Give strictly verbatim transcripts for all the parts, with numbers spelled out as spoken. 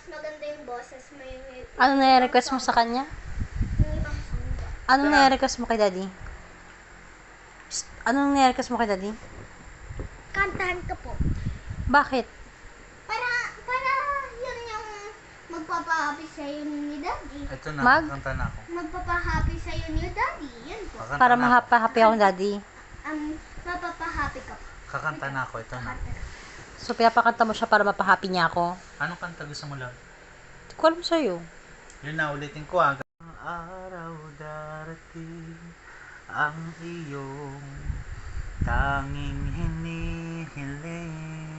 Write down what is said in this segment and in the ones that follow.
maganda yung boses mo yung... Ano na-request mo sa kanya? Yung ibang song ba? Ano na-request mo kay daddy? Psst, anong na-request mo kay daddy? Kantahan ka po. Bakit? Para, para yun yung magpapahappy sa'yo ni daddy. Ito na, Mag? kanta na ako. Magpapahappy sa'yo ni daddy. Yan po. Kakanta Para na ako. mahappy ako daddy. Um, mapapahappy ka po. Kakanta na ako, ito na. So, pinapakanta mo siya para mapahappy niya ako. Anong kanta gusto mo lang? Hindi ko alam sa'yo. Yun na, ulitin ko ah. Ang araw darating ang iyong tanging hinihiling.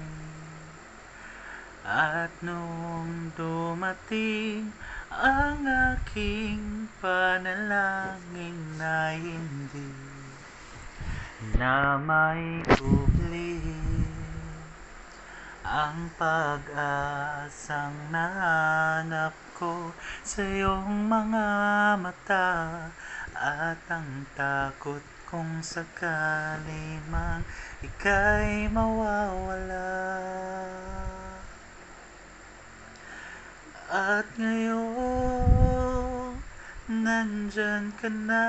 At nung dumating ang aking panalangin na hindi na may kubli, ang pag-asang nahanap ko sa iyong mga mata, at ang takot kung sakali man ika'y mawawala. At ngayon nandyan ka na,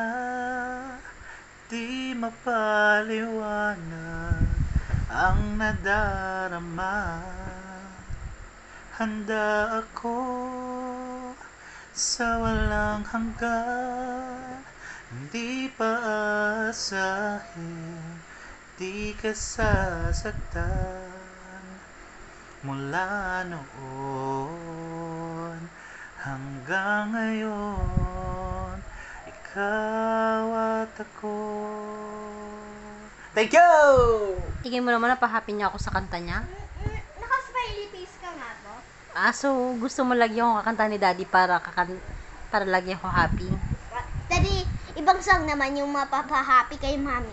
di mapaliwanag ang nadarama. Handa ako sa walang hanggan, hindi paasahin, di ka sasaktan. Mula noon hanggang ngayon, ikaw at ako. Thank you! Tingin mo naman napahappy niya ako sa kanta niya? Naka-smiley face ka nga po. Ah, so gusto mo lagyan ko kakanta ni daddy para kakan para lagyan ko happy? Daddy, ibang song naman yung mapapahappy kay mami.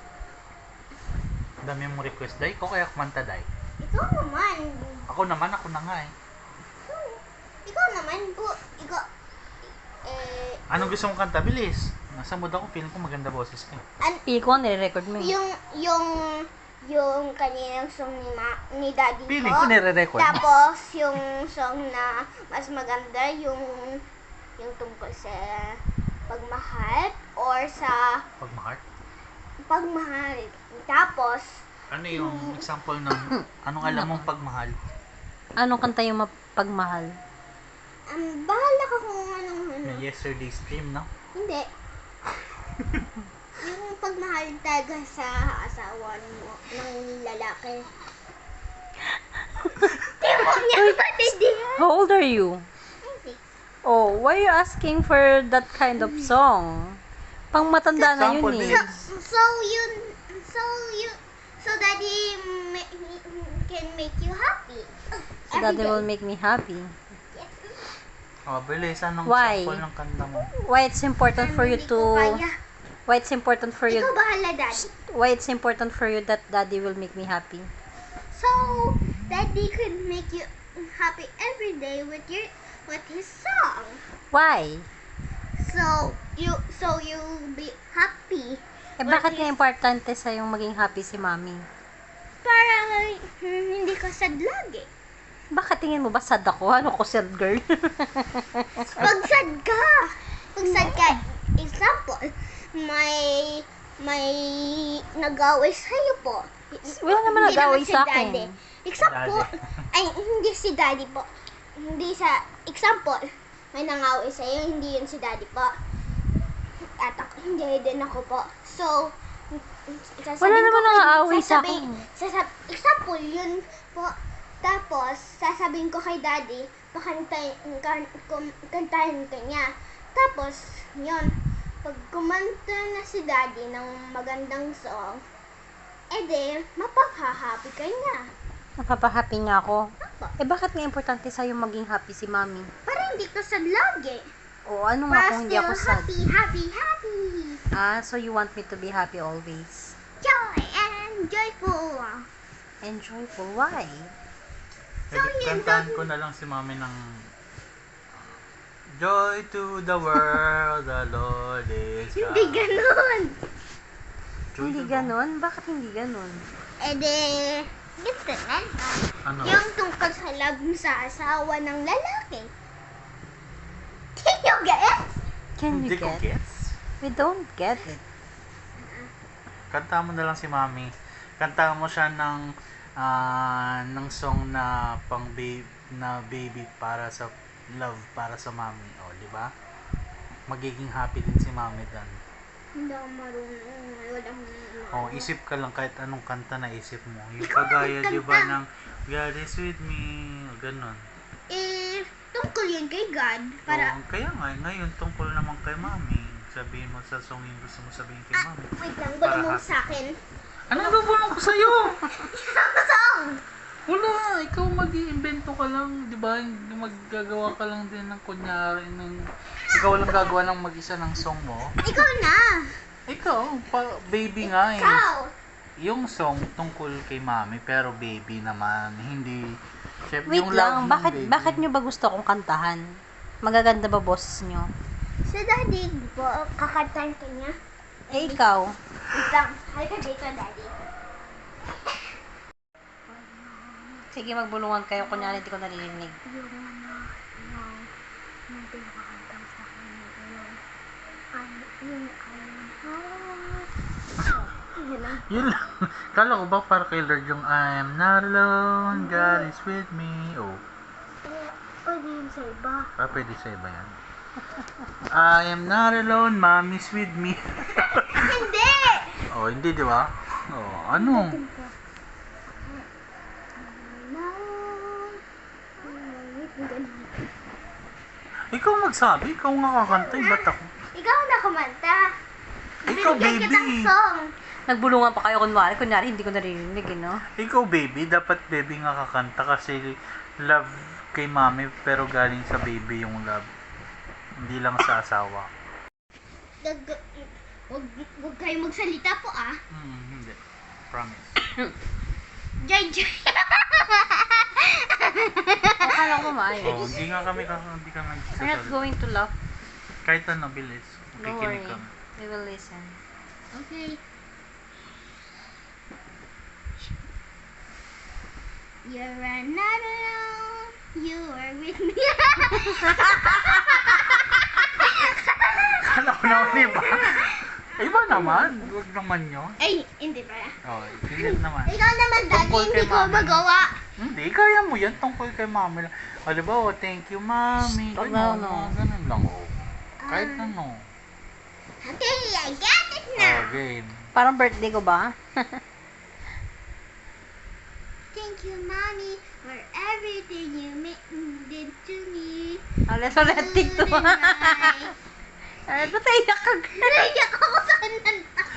Dami mong request, Day. Ko kaya kumanta, Day. Ikaw naman. Ako naman, ako na nga eh. Ikaw, ikaw naman po. Ikaw, eh, Anong gusto mong kanta? Bilis. Nasa mood ako, feeling ko maganda boses ka. an, Pili ko, nire-record mo eh. yung, yung, yung kaninang song ni, ma, ni daddy Feeling po. ko nire-record mo. Tapos, yung song na mas maganda, yung, yung tungkol sa pagmahal or sa Pagmahal. pagmahal. Tapos, Ano yung example ng anong alam mong pagmahal? Anong kanta yung mapagmahal? um, bahala ka kung anong ano. Yung yesterday's dream, no? Hindi. Yung pagmahal talaga sa asawa mo, ng lalaki. Di mo niya patindihan. How old are you? Hindi. Oh, why are you asking for that kind of song? Pang matanda na yun Example, eh. So, so yun, so yun, so daddy ma- can make you happy. So daddy will make me happy. Yes. Oh, bilis. Anong Why? example ng kanta mo? Why it's important for you Hindi ko to kaya. why it's important for you Ikaw bahala, daddy. why it's important for you that daddy will make me happy? So, daddy could make you happy every day with your with his song. Why? So, you so you'll be happy. Eh bakit nga importante sa yung maging happy si mommy? Para hmm, hindi ka sad lagi. Bakit tingin mo ba sad ako? Ano ko sad girl? Pag sad ka, pag sad ka, example, may may nag-away sa'yo po. Wala naman Hindi nag-away si sa daddy. akin. Example, Daddy. ay hindi si daddy po. Hindi sa, example, may nangaway sa'yo, hindi yun si daddy po. At ako, hindi din ako po. So, sasabihin Wala naman ko kay- nangaaway sa sasabihin- akin. sasab- example, yun po. Tapos, sasabihin ko kay daddy, pakantayin, kan, kum- kantahin ka niya. Tapos, yun, pag kumanta na si daddy ng magandang song, edi, mapapahappy ka niya. Napapahappy nga ako. Apo. Eh bakit nga importante sa'yo maging happy si mommy? Para hindi ka sad lagi. O ano nga Para kung hindi ako still sad? happy, happy, happy. Ah, so you want me to be happy always? Joy and joyful. And joyful. Why? So, Pwede yun kantahan daw- ko na lang si mami ng Joy to the world, the Lord is God. Hindi ganun. Joy Hindi to the- ganon? Bakit hindi ganon? Edi, ganito na. Ano? Yung tungkol sa love sa asawa ng lalaki. Can you get? Can Hindi you ko get? gets. We don't get it. Kanta mo na lang si Mami. Kanta mo siya ng ah, ng song na pang baby na baby para sa love para sa Mami. O, di ba? Magiging happy din si Mami dan. Hindi ako marunong. Walang O, isip ka lang kahit anong kanta na isip mo. Yung kagaya, di ba, ng God is with me. O, ganun. Eh, tungkol yun kay God. Para, O, kaya nga, ngayon tungkol naman kay Mami. Sabihin mo sa song yung gusto mo sabihin kay ah, Mami. wait lang, Para gulo mo happy. sa akin. Ano nabubulong ko sa'yo? Isang song! Wala, ikaw mag-iimbento ka lang, di ba? Maggagawa ka lang din ng kunyari ng ikaw lang gagawa ng mag-isa ng song mo. Ikaw na! Ikaw, pa, baby nga eh. Ikaw! Yung song tungkol kay Mami pero baby naman, hindi syempre, Wait yung love lang, ng bakit baby. bakit nyo ba gusto akong kantahan? Magaganda ba boses nyo? Sa daddy, di ba, kakantahan ka niya? Eh, ikaw? Wait lang, halika dito, daddy. Sige, magbulungan kayo. Kunyari, hindi ko naririnig. Yung ano, yung, yung pinakakanta mo sa akin, yung, ano, yung, ano, yun lang. Yun lang. Kala ko ba para kay Lord yung I'm not alone, God is with me. Oh, Eh, pwede yun sa iba. ah, pwede sa iba yan. I am not alone, Mommy's with me. Hindi! Oh, hindi di ba? Oh, ano? Ikaw magsabi, ikaw nga kakanta, eh, ba't ako? Ikaw na kumanta. Ikaw, Binigyan baby. kitang song. Nagbulungan pa kayo kunwari. Kunyari, hindi ko naririnig, eh, no? Ikaw baby, dapat baby nga kakanta kasi love kay Mami pero galing sa baby yung love. Hindi lang sa asawa. Dag, wag, wag kayo magsalita po ah. Hmm, hindi. Promise. Jay, jay. Akala ko Oh, maayos. hindi nga kami kaka- hindi kami We're not nagsasalita. going to laugh. Kahit ano, bilis. Don't worry. Makikinig kami. We will listen. Okay. You're not alone. You are with me. Kala ko naman iba. Iba naman. Huwag naman yun. Ay, hindi pa. Oh, hindi naman. Ikaw naman, daddy, Tungkol hindi kay ko mama. magawa. Hindi, kaya mo yan. Tungkol kay Mami lang. O, di ba? Oh, thank you, Mami. Stop Ganun, na, no. oh, ganun lang. Oh. Kahit Ah. ano. Okay, I got it Oh, now. game. Parang birthday ko ba? Thank you, mommy, for everything you ma- did to me. Alas ulit, TikTok. Tonight. Ay, ba't naiyak ka? Naiyak ako sa kanan.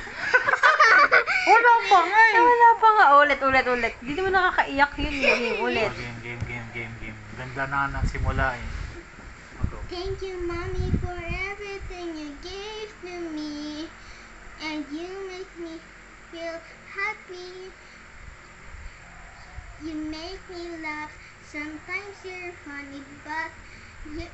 Wala pa nga Ay, wala pa nga. Ulit, ulit, ulit. Hindi mo nakakaiyak yun. eh. Game, ulit. Oh, game, game, game, game, game. Ganda na ng simula eh. Mag-go. Thank you, mommy, for everything you gave to me. And you make me feel happy. You make me laugh. Sometimes you're funny, but you...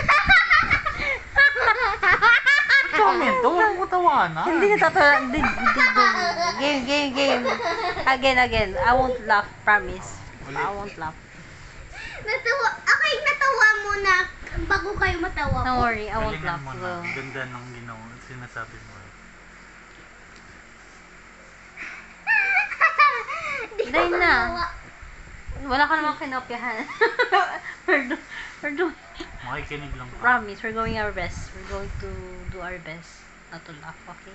Comment, huwag mo tawanan. Hindi natatawa. Hindi, hindi, hindi. Game, game, game. Again, again. I won't laugh. Promise. I won't laugh. Natawa. Okay, natawa muna bago kayo matawa Don't ko. worry. I won't Galingan laugh. mo na. Well, Ganda ng ginawa. Sinasabi mo. eh. Di ko Dahil na. matawa. wala ka namang kinopyahan. we're, do, we're doing, Makikinig lang. ka. promise, we're going our best. We're going to do our best not to laugh, okay?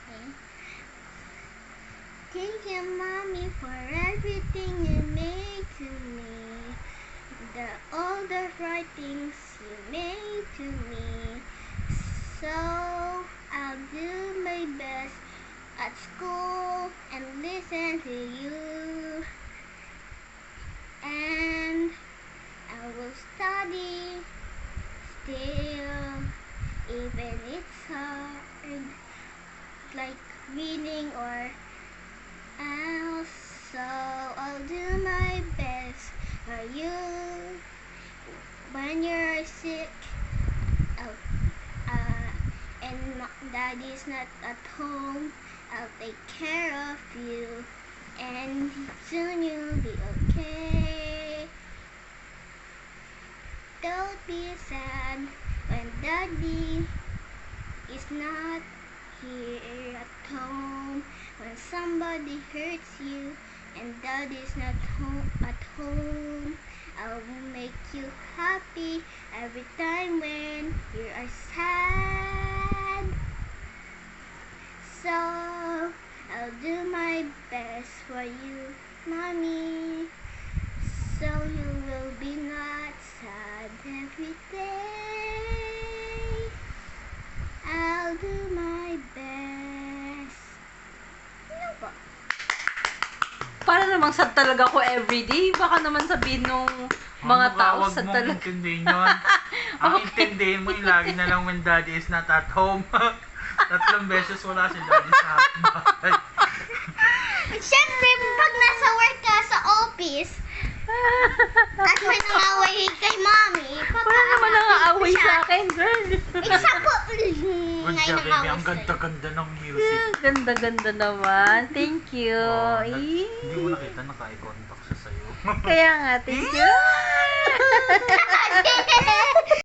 Thank you, mommy, for everything you made to me. The all the right things you made to me. So I'll do my best at school and listen to you. And I will study still, even it's hard, like reading or else. So I'll do my best for you. When you're sick, I'll, uh, and ma- daddy's not at home, I'll take care of you. and soon you'll be okay. Don't be sad when daddy is not here at home. When somebody hurts you and daddy's not home at home, I will make you happy every time when you are sad. So I'll do my best for you, mommy, so you will be not sad every day. I'll do my best. Ano ba? Para namang sad talaga ako everyday. Baka naman sabihin nung mga Ano ka, tao wag sad mong talaga. intindihin yun. Ang intindihin mo yung lagi na lang when daddy is not at home. Tatlong beses wala si daddy sa bahay. Siyempre, pag nasa work ka sa office, at may nangaway kay mommy, Wala naman nang-aaway sa akin, girl. Isa po, Good ngayon job, baby. nangaway Ang sa'yo. ganda-ganda ng music. Ganda-ganda naman. Thank you. Oh, nag- Eh, hindi mo nakita, naka-eye contact siya sa'yo. Kaya nga, thank you.